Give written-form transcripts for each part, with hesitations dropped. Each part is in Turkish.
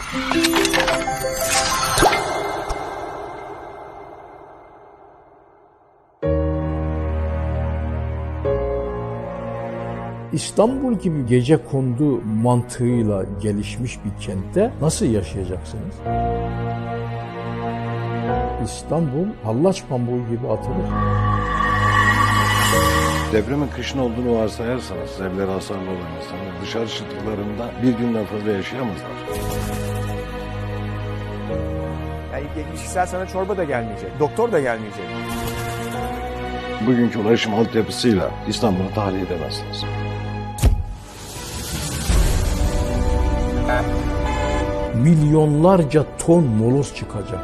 İstanbul gibi gecekondu mantığıyla gelişmiş bir kentte nasıl yaşayacaksınız? İstanbul hallaç pamuğu gibi atılır. Depremin kışın olduğunu varsayarsanız evleri hasarlı olan insanlar dışarı çıktıklarında bir günden fazla yaşayamazlar. Yani kişisel sana çorba da gelmeyecek, doktor da gelmeyecek. Bugünkü ulaşım altyapısıyla İstanbul'u tahliye edemezsiniz. Milyonlarca ton moloz çıkacak.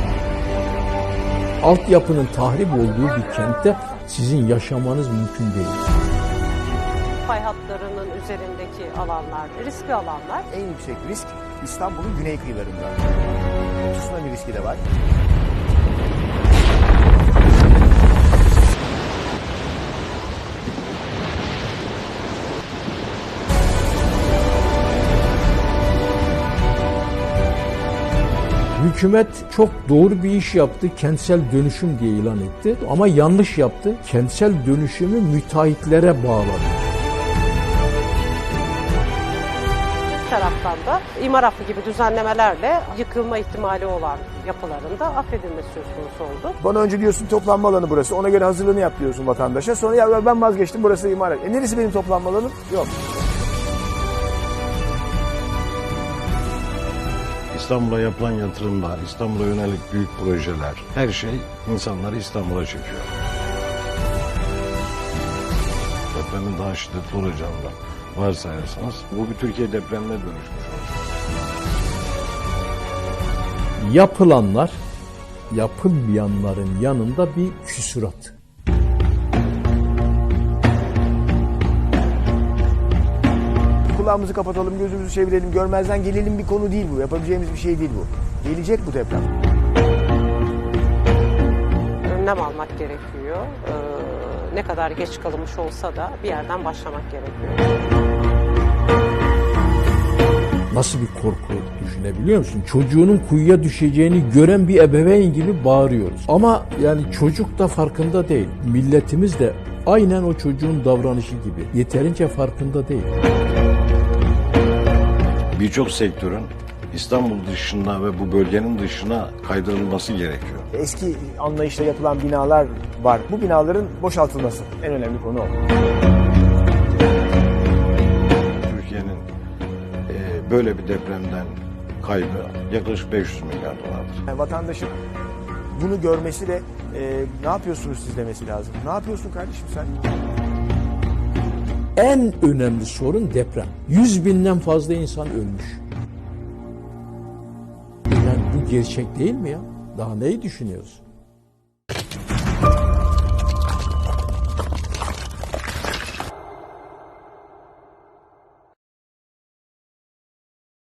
Altyapının tahrip olduğu bir kentte sizin yaşamanız mümkün değil. Fay hatlarının üzerindeki alanlar, riskli alanlar. En yüksek risk İstanbul'un güney kıyılarında. Tsunami riski de var. Hükümet çok doğru bir iş yaptı, kentsel dönüşüm diye ilan etti. Ama yanlış yaptı, kentsel dönüşümü müteahhitlere bağladı. Bir taraftan da imar affı gibi düzenlemelerle yıkılma ihtimali olan yapıların da affedilmesi söz konusu oldu. Bana önce diyorsun toplanma alanı burası, ona göre hazırlığını yap diyorsun vatandaşa. Sonra ya ben vazgeçtim, burası imar et. Neresi benim toplanma alanım? Yok. İstanbul'a yapılan yatırımlar, İstanbul'a yönelik büyük projeler, her şey insanları İstanbul'a çekiyor. Depremin daha şiddetli olacağını da varsayarsanız bu bir Türkiye depremine dönüşmüş olacak. Yapılanlar, yapılmayanların yanında bir küsurat. Kulağımızı kapatalım, gözümüzü çevirelim, görmezden gelelim bir konu değil bu. Yapabileceğimiz bir şey değil bu. Gelecek bu deprem. Önlem almak gerekiyor. Ne kadar geç kalınmış olsa da bir yerden başlamak gerekiyor. Nasıl bir korku düşünebiliyor musun? Çocuğunun kuyuya düşeceğini gören bir ebeveyn gibi bağırıyoruz. Ama yani çocuk da farkında değil. Milletimiz de aynen o çocuğun davranışı gibi. Yeterince farkında değil. Birçok sektörün İstanbul dışına ve bu bölgenin dışına kaydırılması gerekiyor. Eski anlayışla yapılan binalar var. Bu binaların boşaltılması en önemli konu o. Türkiye'nin böyle bir depremden kaybı yaklaşık 500 milyar dolardır. Yani vatandaşın bunu görmesi ve ne yapıyorsunuz siz demesi lazım. Ne yapıyorsun kardeşim sen? En önemli sorun deprem. 100.000'den fazla insan ölmüş. Yani bu gerçek değil mi ya? Daha neyi düşünüyoruz?